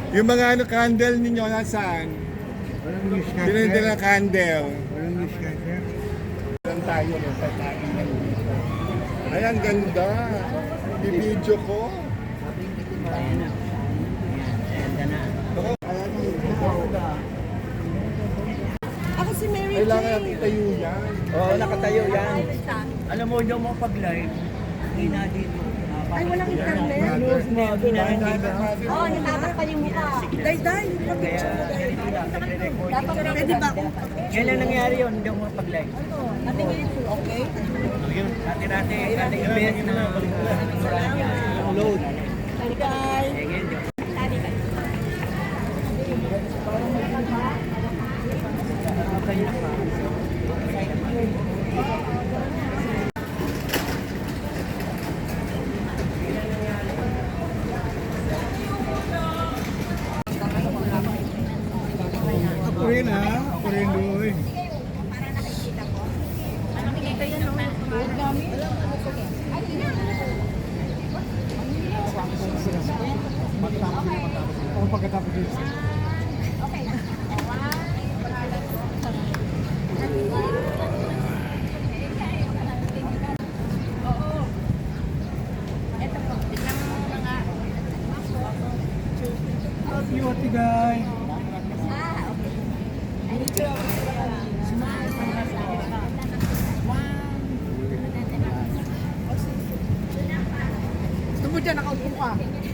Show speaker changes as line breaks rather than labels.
Yung mga ano, candle ninyo, nasaan?
Walang newscaster.
Binili ng candle.
Walang newscaster.
Saan tayo? Sa tayo. Ay, ang ganda. Bibidyo ko.
Ayan na. Ayan, ganda na.
Ako si Mary
Kailangan
Jane.
natin itayo yan.
Oo, nakatayo yan. Alam mo, yung mo pag-live, hina dito.
Ay, walang internet.
Hina dito.
Oo, natatakpan yung mukha. Day,
Kaya, ganito lang, nagre-record.
pwede ba akong
Kailan nangyari yun, hindi ako makapag-live?
okay?
Dati, kaling event na load.
Bye.
Again,
Ako rin ha. Ako rin doon. Ako pagkatapos yun. You what the guy?
Gusto mo dyan, nakaupo ka.